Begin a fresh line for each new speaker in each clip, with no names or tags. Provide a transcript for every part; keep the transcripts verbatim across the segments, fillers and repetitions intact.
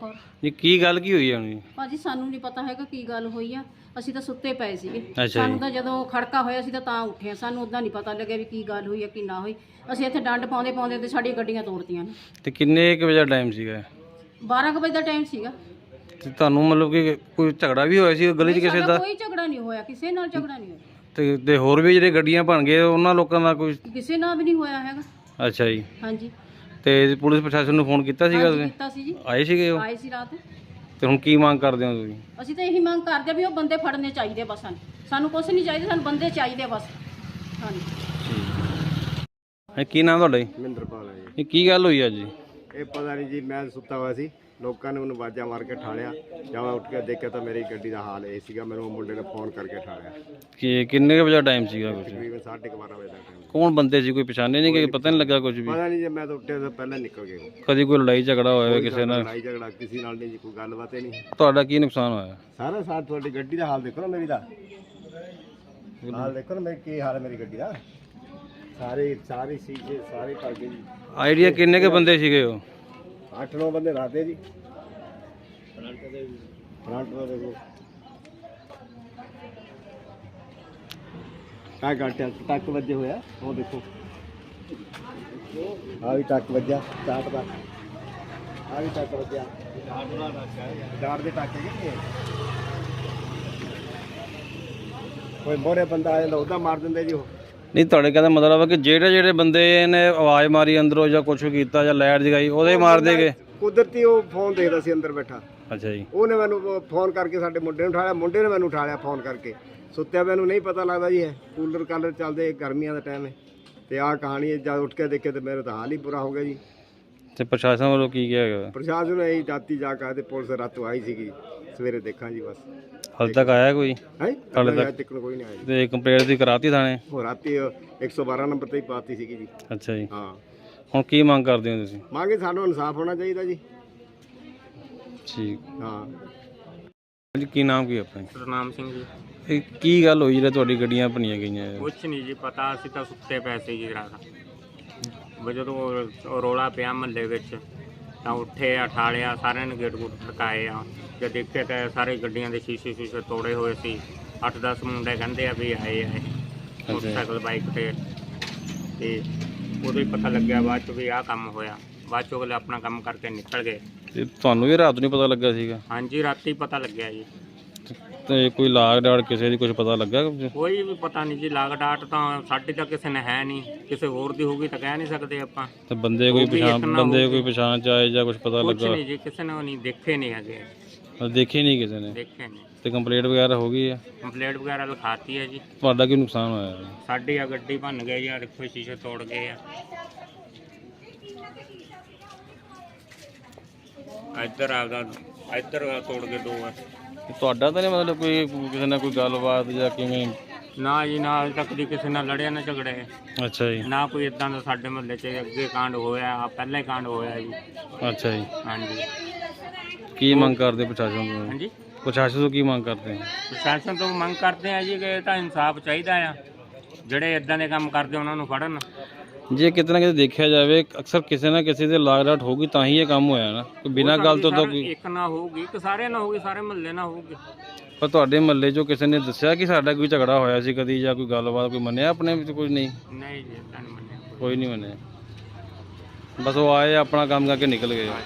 ਕੌਰ।
ਜੀ ਕੀ ਗੱਲ ਕੀ ਹੋਈ ਹੈ?
ਭਾਜੀ ਸਾਨੂੰ ਨਹੀਂ ਪਤਾ ਹੈਗਾ ਕੀ ਗੱਲ ਹੋਈ ਆ, ਅਸੀਂ ਤਾਂ ਸੁੱਤੇ ਪਏ ਸੀਗੇ।
ਅੱਛਾ
ਸਾਨੂੰ
ਜੀ।
ਤਾਂ ਜਦੋਂ ਖੜਕਾ ਹੋਇਆ ਸੀ ਤਾਂ ਤਾਂ ਉੱਠੇ ਆ, ਸਾਨੂੰ ਉਦਾਂ ਨਹੀਂ ਪਤਾ ਲੱਗਿਆ ਵੀ ਕੀ ਗੱਲ ਹੋਈ ਆ ਕੀ ਨਾ ਹੋਈ। ਅਸੀਂ ਇੱਥੇ ਡੰਡ ਪਾਉਂਦੇ ਪਾਉਂਦੇ ਤੇ ਸਾਡੀਆਂ ਗੱਡੀਆਂ ਤੋੜਤੀਆਂ ਨੇ।
ਤੇ ਕਿੰਨੇ ਕੁ ਵਜੇ ਦਾ ਟਾਈਮ ਸੀਗਾ?
ਬਾਰਾਂ ਕੁ ਵਜੇ ਦਾ ਟਾਈਮ ਸੀਗਾ।
ਤੇ ਤੁਹਾਨੂੰ ਮਤਲਬ ਕਿ ਕੋਈ ਝਗੜਾ ਵੀ ਹੋਇਆ ਸੀ ਗਲੀ 'ਚ
ਨਹੀਂ,
ਕਿਸੇ
ਸਾਡਾ
ਦਾ?
ਕੋਈ ਝਗੜਾ ਨਹੀਂ ਹੋਇਆ, ਕਿਸੇ ਨਾਲ ਝਗੜਾ ਨਹੀਂ ਹੋਇਆ।
ਤੇ ਤੇ ਹੋਰ ਵੀ ਜਿਹੜੇ ਗੱਡੀਆਂ ਬਣ ਗਏ ਉਹਨਾਂ ਲੋਕਾਂ ਦਾ ਕੋਈ?
ਕਿਸੇ ਨਾਲ ਵੀ ਨਹੀਂ ਹੋਇਆ ਹੈਗਾ।
ਅੱਛਾ ਜੀ।
ਹਾਂਜੀ।
ਤੇ ਪੁਲਿਸ ਪ੍ਰਸ਼ਾਸਨ ਨੂੰ ਫੋਨ ਕੀਤਾ ਸੀਗਾ
ਹਾਂਜੀ
ਤੁਸੀਂ?
ਕੀਤਾ ਸੀ ਜੀ,
ਆਏ ਸੀਗੇ ਉਹ?
ਆਏ ਸੀ ਰਾਤ।
ਤੇ ਹੁਣ ਕੀ ਮੰਗ ਕਰਦੇ ਹੋ ਤੁਸੀਂ?
ਅਸੀਂ ਤਾਂ ਇਹੀ ਮੰਗ ਕਰਦੇ ਆ ਵੀ ਉਹ ਬੰਦੇ ਫੜਨੇ ਚਾਹੀਦੇ ਬਸ। ਸਾਨੂੰ ਸਾਨੂੰ ਕੁਛ ਨਹੀਂ ਚਾਹੀਦਾ, ਸਾਨੂੰ ਬੰਦੇ ਚਾਹੀਦੇ ਬਸ। ਹਾਂਜੀ।
ਇਹ ਕੀ ਨਾਮ ਤੁਹਾਡਾ ਜੀ?
ਮਹਿੰਦਰਪਾਲ ਹੈ ਜੀ।
ਇਹ ਕੀ ਗੱਲ ਹੋਈ ਅੱਜ ਜੀ?
ਇਹ ਪਤਾ ਨਹੀਂ ਜੀ, ਮੈਂ ਸੁੱਤਾ ਹੋਇਆ ਸੀ, ਲੋਕਾਂ ਨੇ ਮੈਨੂੰ ਆਵਾਜ਼ਾਂ ਮਾਰ ਕੇ ਠਾਲਿਆ। ਜਦ ਮੈਂ ਉੱਠ ਕੇ ਦੇਖਿਆ ਤਾਂ ਮੇਰੀ ਗੱਡੀ ਦਾ ਹਾਲ ਇਹ ਸੀਗਾ। ਮੈਨੂੰ ਉਹ ਮੁੰਡੇ ਨੇ ਫੋਨ ਕਰਕੇ ਠਾਲਿਆ।
ਕਿ ਕਿੰਨੇ ਕੁ ਵਜੇ ਟਾਈਮ ਸੀਗਾ ਕੁਝ?
ਤਕਰੀਬਨ ਸਾਢੇ ਕੁ ਬਾਰਾਂ ਵਜੇ ਦਾ ਟਾਈਮ।
ਕੌਣ ਬੰਦੇ ਸੀ? ਕੋਈ ਪਛਾਣੇ ਨਹੀਂ ਕਿ ਪਤਾ ਨਹੀਂ ਲੱਗਾ ਕੁਝ ਵੀ?
ਪਤਾ ਨਹੀਂ ਜੀ, ਮੈਂ ਤਾਂ ਉੱਠਿਆ ਤਾਂ ਪਹਿਲਾਂ ਨਿਕਲ ਗਏ।
ਕਦੀ ਕੋਈ ਲੜਾਈ ਝਗੜਾ ਹੋਇਆ ਹੋਵੇ ਕਿਸੇ ਨਾਲ?
ਲੜਾਈ ਝਗੜਾ ਕਿਸੇ ਨਾਲ ਨਹੀਂ ਜੀ, ਕੋਈ ਗੱਲਬਾਤ ਹੀ ਨਹੀਂ।
ਤੁਹਾਡਾ ਕੀ ਨੁਕਸਾਨ ਹੋਇਆ?
ਸਾਰਾ ਸਾਥ ਤੁਹਾਡੀ ਗੱਡੀ ਦਾ ਹਾਲ ਦੇਖੋ ਨਾ, ਮੇਰੀ ਦਾ ਹਾਲ ਦੇਖੋ ਨਾ, ਮੇਰੀ ਕੀ ਹਾਲ ਹੈ ਮੇਰੀ ਗੱਡੀ ਦਾ। ਸਾਰੇ ਸਾਰੇ ਸ਼ੀਸ਼ੇ ਸਾਰੇ ਭਰ ਗਏ ਜੀ।
ਆਈਡੀਆ ਕਿੰਨੇ ਕੇ ਬੰਦੇ ਸੀਗੇ ਉਹ?
ਅੱਠ ਨੌ ਬੰਦੇ ਰਾਤੇ ਜੀ। ਫਰੰਟ ਦਾ ਦੇਖੋ ਕਾ ਘੰਟੇ ਟੱਕ ਵੱਜੇ ਹੋਇਆ, ਉਹ ਦੇਖੋ ਆ ਵੀ ਟੱਕ ਵੱਜਾ ਚਾਟ ਦਾ, ਆ ਵੀ ਟੱਕ ਵੱਜਿਆ ਡਾਟ ਦੇ ਟੱਕ ਹੈਗੇ। ਕੋਈ ਮੋਰੇ ਬੰਦਾ ਆ ਜਾਂਦਾ ਉਹਦਾ ਮਾਰ ਦਿੰਦੇ ਜੀ ਉਹ।
ਨਹੀਂ, ਤੁਹਾਡੇ ਕਹਿੰਦਾ ਮਤਲਬ ਹੈ ਕਿ ਜਿਹੜੇ ਜਿਹੜੇ ਬੰਦੇ ਨੇ ਆਵਾਜ਼ ਮਾਰੀ ਅੰਦਰੋਂ ਜਾਂ ਕੁਝ ਕੀਤਾ ਜਾਂ ਲਾਈਟ ਜਗਾਈ ਉਹਦੇ ਮਾਰ ਦੇਗੇ?
ਕੁਦਰਤੀ ਉਹ ਫੋਨ ਦੇਖਦਾ ਸੀ ਅੰਦਰ ਬੈਠਾ।
ਅੱਛਾ ਜੀ।
ਉਹਨੇ ਮੈਨੂੰ ਫੋਨ ਕਰਕੇ ਸਾਡੇ ਮੁੰਡੇ ਨੂੰ ਉਠਾਇਆ, ਮੁੰਡੇ ਨੇ ਮੈਨੂੰ ਉਠਾਲਿਆ ਫੋਨ ਕਰਕੇ। ਸੁੱਤਿਆ ਮੈਨੂੰ ਨਹੀਂ ਪਤਾ ਲੱਗਦਾ ਜੀ, ਹੈ ਕੂਲਰ ਕਾਲਰ ਚੱਲਦੇ, ਗਰਮੀਆਂ ਦਾ ਟਾਈਮ ਹੈ। ਤੇ ਆਹ ਕਹਾਣੀ ਹੈ, ਜਦ ਉੱਠ ਕੇ ਦੇਖੇ ਤੇ ਮੇਰੇ ਤਾਂ ਹਾਲ ਹੀ ਬੁਰਾ ਹੋ ਗਿਆ ਜੀ। ਤੇ
ਪ੍ਰਸ਼ਾਸਨ ਵੱਲੋਂ ਕੀ ਕਿਹਾ ਗਿਆ?
ਪ੍ਰਸ਼ਾਸਨ ਨੇ ਇਹੀ ਰਾਤੀ ਜਾ ਕੇ ਤੇ ਪੁਲਿਸ ਰਾਤੋਂ ਆਈ ਸੀਗੀ, ਸਵੇਰੇ ਦੇਖਾਂ ਜੀ ਬਸ।
ਹਾਲੇ ਤੱਕ ਆਇਆ ਕੋਈ?
ਹੈ
ਹਾਲੇ
ਹਾਲੇ
ਤੱਕ
ਤੱਕ ਕੋਈ ਨਹੀਂ ਆਇਆ ਜੀ।
ਤੇ ਕੰਪਲੇਂਟ ਦੀ ਕਰਾਤੀ ਥਾਣੇ?
ਉਹ ਰਾਤੀ ਇੱਕ ਸੌ ਬਾਰਾਂ ਨੰਬਰ ਤੇ ਹੀ ਪਾਤੀ ਸੀਗੀ ਜੀ।
ਅੱਛਾ ਜੀ।
ਹਾਂ।
ਹੁਣ ਕੀ ਮੰਗ ਕਰਦੇ ਹੋ ਤੁਸੀਂ?
ਮੰਗੇ ਸਾਨੂੰ ਇਨਸਾਫ ਹੋਣਾ ਚਾਹੀਦਾ ਜੀ।
ਠੀਕ।
ਹਾਂ
ਜੀ ਕੀ ਨਾਮ ਕੀ ਆਪਣਾ?
ਸਤਨਾਮ ਸਿੰਘ ਜੀ।
ਇਹ ਕੀ ਗੱਲ ਹੋਈ ਜਿਹੜਾ ਤੁਹਾਡੀ ਗੱਡੀਆਂ ਭੰਨੀਆਂ ਗਈਆਂ?
ਕੁਛ ਨਹੀਂ ਜੀ ਪਤਾ, ਅਸੀਂ ਤਾਂ ਸੁੱਤੇ ਪਏ ਸੀ ਜੀ ਰਾਤ। ਜਦੋਂ ਉਹ ਰੌਲਾ ਪਿਆ ਮਹੱਲੇ ਵਿੱਚ ਤਾਂ ਉੱਠੇ ਆ, ਠਾਲਿਆ, ਸਾਰਿਆਂ ਨੇ ਗੇਟ ਗੂਟ ਖੜਕਾਏ ਆ। ਜਦ ਦੇਖਿਆ ਤਾਂ ਸਾਰੇ ਗੱਡੀਆਂ ਦੇ ਸ਼ੀਸ਼ੇ ਸ਼ੀਸ਼ੇ ਤੋੜੇ ਹੋਏ ਸੀ। ਅੱਠ ਦਸ ਮੁੰਡੇ ਕਹਿੰਦੇ ਆ ਵੀ ਆਏ ਆਏ ਮੋਟਰਸਾਈਕਲ ਬਾਈਕ ਤੇ। ਤੇ ਉਦੋਂ ਹੀ ਪਤਾ ਲੱਗਿਆ ਬਾਅਦ 'ਚ ਵੀ ਆਹ ਕੰਮ ਹੋਇਆ। ਬਾਅਦ 'ਚੋਂ ਅਗਲੇ ਆਪਣਾ ਕੰਮ ਕਰਕੇ ਨਿਕਲ ਗਏ।
ਤੇ ਤੁਹਾਨੂੰ ਵੀ ਰਾਤ ਨੂੰ ਪਤਾ ਲੱਗਾ ਸੀਗਾ?
ਹਾਂਜੀ, ਰਾਤੀ ਪਤਾ ਲੱਗਿਆ ਜੀ।
ਤੇ ਕੋਈ ਲਾਗ ਡਾਟ ਕਿਸੇ ਦੀ ਕੁਝ ਪਤਾ ਲੱਗਾ?
ਕੋਈ ਵੀ ਪਤਾ ਨਹੀਂ ਜੀ, ਲਾਗ ਡਾਟ ਤਾਂ ਸਾਡੀ ਤਾਂ ਕਿਸੇ ਨੇ ਹੈ ਨਹੀਂ, ਕਿਸੇ ਹੋਰ ਦੀ ਹੋਊਗੀ ਤਾਂ ਕਹਿ ਨਹੀਂ ਸਕਦੇ ਆਪਾਂ।
ਤੇ ਬੰਦੇ ਕੋਈ ਪਛਾਣ ਬੰਦੇ ਕੋਈ ਪਛਾਣ ਚ ਆਏ ਜਾਂ ਕੁਝ ਪਤਾ
ਕੁਛ
ਲੱਗਾ?
ਨਹੀਂ ਜੀ, ਕਿਸੇ ਨੇ ਨਹੀਂ ਦੇਖੇ ਨਹੀਂ ਹੈਗੇ।
ਦੇਖੇ ਨਹੀਂ ਕਿਸੇ ਨੇ?
ਦੇਖੇ ਨਹੀਂ।
ਤੇ ਕੰਪਲੇਂਟ ਵਗੈਰਾ ਹੋ ਗਈ ਹੈ?
ਕੰਪਲੇਂਟ ਵਗੈਰਾ ਲਿਖਾਤੀ ਹੈ ਜੀ।
ਤੁਹਾਡਾ ਕੀ ਨੁਕਸਾਨ ਹੋਇਆ?
ਸਾਡੀ ਆ ਗੱਡੀ ਭੰਨ ਗਈ ਆ, ਦੇਖੋ ਸ਼ੀਸ਼ੇ ਤੋੜ ਗਏ ਆ। ਇੱਧਰ ਆ ਗਾ, ਇੱਧਰ ਆ ਤੋੜ ਕੇ ਦੋ ਆ।
ਤੁਹਾਡਾ ਤਾਂ ਨਹੀਂ ਮਤਲਬ ਕੋਈ ਕਿਸੇ ਨਾਲ ਕੋਈ ਗੱਲਬਾਤ ਜਾਂ ਕਿਵੇਂ?
ਨਾ ਜੀ ਨਾ, ਅਜੇ ਤੱਕ ਦੀ ਕਿਸੇ ਨਾਲ ਲੜਿਆ ਨਾ ਝਗੜੇ।
ਅੱਛਾ ਜੀ।
ਨਾ ਕੋਈ ਇਦਾਂ ਦਾ ਸਾਡੇ ਮੁਹੱਲੇ 'ਚ ਅੱਗੇ ਕਾਂਡ ਹੋਇਆ, ਆ ਪਹਿਲਾਂ ਹੀ ਕਾਂਡ ਹੋਇਆ ਜੀ।
ਅੱਛਾ ਜੀ।
ਹਾਂਜੀ।
ਕੀ ਮੰਗ ਕਰਦੇ ਪ੍ਰਸ਼ਾਸਨ ਤੋਂ?
ਹਾਂਜੀ,
ਪ੍ਰਸ਼ਾਸਨ ਤੋਂ ਕੀ ਮੰਗ ਕਰਦੇ?
ਪ੍ਰਸ਼ਾਸਨ ਤੋਂ ਮੰਗ ਕਰਦੇ ਆ ਜੀ ਕਿ ਇਹ ਤਾਂ ਇਨਸਾਫ ਚਾਹੀਦਾ ਆ। ਜਿਹੜੇ ਇਦਾਂ ਦੇ ਕੰਮ ਕਰਦੇ ਉਹਨਾਂ ਨੂੰ ਫੜਨ।
ਜੇ ਕਿਤੇ ਨਾ ਕਿਤੇ ਦੇਖਿਆ ਜਾਵੇ ਅਕਸਰ ਕਿਸੇ ਨਾ ਕਿਸੇ ਦੇ ਲਾਗ ਡਾਟ ਹੋਊਗੀ ਤਾਂ ਹੀ ਇਹ ਕੰਮ ਹੋਇਆ ਨਾ, ਕੋਈ ਬਿਨਾਂ ਗੱਲ ਤੋਂ ਤਾਂ ਕੋਈ
ਇੱਕ ਨਾ ਹੋਊਗੀ ਕਿ ਸਾਰੇ ਨਾ ਹੋਊਗੀ, ਸਾਰੇ ਮੁਹੱਲੇ ਨਾ ਹੋਊਗੀ।
ਪਰ ਤੁਹਾਡੇ ਮਹੱਲੇ 'ਚੋਂ ਕਿਸੇ ਨੇ ਦੱਸਿਆ ਕਿ ਸਾਡਾ ਕੋਈ ਝਗੜਾ ਹੋਇਆ ਸੀ ਕਦੀ ਜਾਂ ਕੋਈ ਗੱਲਬਾਤ ਕੋਈ ਮੰਨਿਆ ਆਪਣੇ ਵਿੱਚ? ਕੋਈ ਨਹੀਂ?
ਨਹੀਂ ਜੀ, ਏਦਾਂ ਨਹੀਂ ਮੰਨਿਆ
ਕੋਈ ਨਹੀਂ ਮੰਨਿਆ, ਬਸ ਉਹ ਆਏ ਆਪਣਾ ਕੰਮ ਕਰਕੇ ਨਿਕਲ ਗਏ।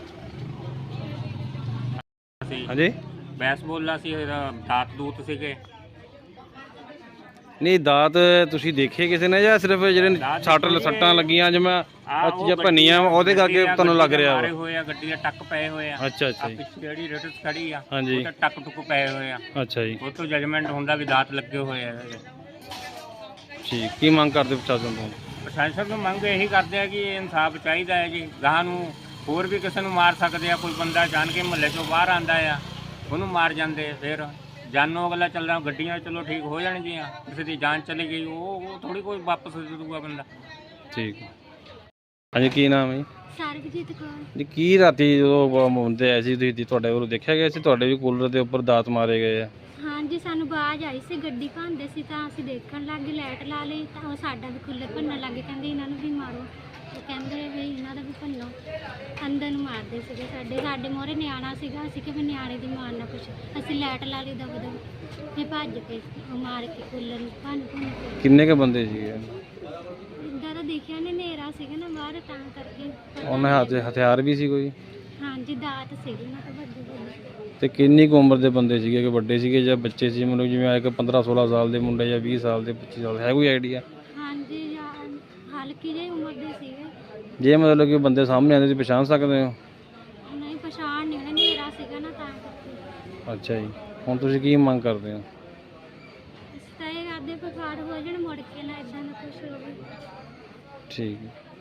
ਅਸੀਂ
ਹਾਂਜੀ।
ਬੈਸਬਾਲ ਸੀ, ਦਾਤ ਦੂਤ ਸੀਗੇ।
ਨਹੀਂ, ਦਾਤ ਤੁਸੀਂ ਦੇਖੇ ਕਿਸੇ ਨੇ ਜਾਂ ਸਿਰਫ ਜਿਹੜੇ ਸੱਟ ਸੱਟਾਂ ਲੱਗੀਆਂ ਜਿਵੇਂ ਜਾਂ ਭੰਨੀਆਂ ਉਹਦੇ ਕਰਕੇ ਤੁਹਾਨੂੰ ਲੱਗ ਰਿਹਾ?
ਮਾਰੇ ਹੋਏ ਆ, ਗੱਡੀ ਦੇ ਟੱਕ ਪਏ ਹੋਏ ਆ।
ਅੱਛਾ ਅੱਛਾ ਜੀ।
ਪਿੱਛੇ ਜਿਹੜੀ ਰੇਟਸ ਖੜੀ ਆ
ਹਾਂਜੀ,
ਉਹ ਤੇ ਟੱਕ ਟੁੱਕ ਪਏ ਹੋਏ ਆ।
ਅੱਛਾ ਜੀ।
ਉਹ ਤੋਂ ਜਜਮੈਂਟ ਹੁੰਦਾ ਵੀ ਦਾਤ ਲੱਗੇ ਹੋਏ ਆ।
ਠੀਕ। ਕੀ ਮੰਗ ਕਰਦੇ ਪ੍ਰਸ਼ਾਸਨ ਤੋਂ?
ਪ੍ਰਸ਼ਾਸਨ ਤੋਂ ਮੰਗ ਇਹੀ ਕਰਦੇ ਆ ਕਿ ਇਨਸਾਫ ਚਾਹੀਦਾ ਹੈ ਜੀ। ਗਾਹਾਂ ਨੂੰ ਹੋਰ ਵੀ ਕਿਸੇ ਨੂੰ ਮਾਰ ਸਕਦੇ ਆ, ਕੋਈ ਬੰਦਾ ਜਾਣ ਕੇ ਮੁਹੱਲੇ ਚੋਂ ਬਾਹਰ ਆਂਦਾ ਆ ਉਹਨੂੰ ਮਾਰ ਜਾਂਦੇ। ਫਿਰ ਜਾਨੋਂ ਅਗਲਾ ਚੱਲਦਾ, ਗੱਡੀਆਂ ਚਲੋ ਠੀਕ ਹੋ ਜਾਣਗੀਆਂ, ਕਿਸੇ ਦੀ ਜਾਨ ਚਲੀ ਗਈ ਉਹ ਉਹ ਥੋੜੀ ਕੋਈ ਵਾਪਸ ਦੇ ਦੂਗਾ ਬੰਦਾ।
ਠੀਕ। ਹਾਂਜੀ, ਕੀ ਨਾਮ ਹੈ?
ਸਰਬਜੀਤ ਕੌਰ।
ਜੀ ਕੀ ਰਾਤੀ ਜਦੋਂ ਮੁੰਡੇ ਆਏ ਸੀ ਤੁਸੀਂ ਤੁਹਾਡੇ ਵੱਲੋਂ ਦੇਖਿਆ ਗਿਆ ਸੀ ਤੁਹਾਡੇ ਵੀ ਕੂਲਰ ਦੇ ਉੱਪਰ ਦਾਤ ਮਾਰੇ ਗਏ ਆ?
ਹਾਂਜੀ, ਸਾਨੂੰ ਆਵਾਜ਼ ਆਈ ਸੀ, ਗੱਡੀ ਭੰਨਦੇ ਸੀ ਤਾਂ ਅਸੀਂ ਦੇਖਣ ਲੱਗ ਗਏ, ਲਾਈਟ ਲਾ ਲਈ ਤਾਂ ਉਹ ਸਾਡਾ ਵੀ ਕੂਲਰ ਭੰਨਣ ਲੱਗੇ, ਕਹਿੰਦੇ ਇਹਨਾਂ ਨੂੰ ਵੀ ਮਾਰੋ। ਉਹ ਕਹਿੰਦੇ ਵੀ ਇਹਨਾਂ ਦਾ ਵੀ ਭੰਨੋ, ਅੰਦਰ ਨੂੰ ਮਾਰਦੇ ਸੀਗੇ। ਸਾਡੇ ਸਾਡੇ ਮੋਹਰੇ ਨਿਆਣਾ ਸੀਗਾ, ਅਸੀਂ ਕਿ ਵੀ ਨਿਆਣੇ ਦੀ ਮਾਰ ਨਾ ਕੁਛ, ਅਸੀਂ ਲਾਈਟ ਲਾ ਲਈ ਦਬ ਦਬ, ਫਿਰ ਭੱਜ ਕੇ ਉਹ ਮਾਰ ਕੇ ਕੂਲਰ ਨੂੰ ਭੰਨ ਭੰਨ ਕੇ।
ਕਿੰਨੇ ਕ ਬੰਦੇ ਸੀਗੇ?
ਇੱਦਾਂ ਤਾਂ ਦੇਖਿਆ ਨੇ, ਹਨੇਰਾ ਸੀਗਾ ਨਾ ਬਾਹਰ, ਤਾਂ ਕਰਕੇ ਪਤਾ
ਉਹਨਾਂ ਹੱਥ 'ਚ ਹਥਿਆਰ ਵੀ ਸੀ ਕੋਈ?
ਹਾਂਜੀ ਦਾਤ ਸੀਗੇ ਨਾ, ਤਾਂ ਵੱਡੇ ਵੱਡੇ।
ਤੇ ਕਿੰਨੀ ਕੁ ਉਮਰ ਦੇ ਬੰਦੇ ਸੀਗੇ, ਕਿ ਵੱਡੇ ਸੀਗੇ ਜਾਂ ਬੱਚੇ ਸੀ? ਮਤਲਬ ਜਿਵੇਂ ਇੱਕ ਪੰਦਰਾਂ ਸੋਲਾਂ ਸਾਲ ਦੇ ਮੁੰਡੇ ਜਾਂ ਵੀਹ ਸਾਲ ਦੇ, ਪੱਚੀ ਸਾਲ, ਹੈ ਕੋਈ ਆਈਡੀਆ?
ਹਾਂਜੀ ਜਾਂ ਹਲਕੀ ਜਿਹੀ ਉਮਰ ਦੇ ਸੀਗੇ।
ਜੇ ਮਤਲਬ ਕਿ ਬੰਦੇ ਸਾਹਮਣੇ ਆਉਂਦੇ ਤੁਸੀਂ ਪਛਾਣ ਸਕਦੇ ਹੋ?
ਨਹੀਂ ਪਛਾਣ ਨਹੀਂ, ਹਨੇਰਾ ਸੀਗਾ ਨਾ, ਤਾਂ ਕਰਕੇ।
ਅੱਛਾ ਜੀ, ਹੁਣ ਤੁਸੀਂ ਕੀ ਮੰਗ ਕਰਦੇ ਹੋ?
ਅਸੀਂ ਤਾਂ ਇਹ ਕਰਦੇ ਫਾੜ ਹੋ ਜਾਣ, ਮੁੜ ਕੇ ਨਾ ਇਦਾਂ ਦਾ ਕੁਛ ਹੋਵੇ।
ਠੀਕ ਹੈ।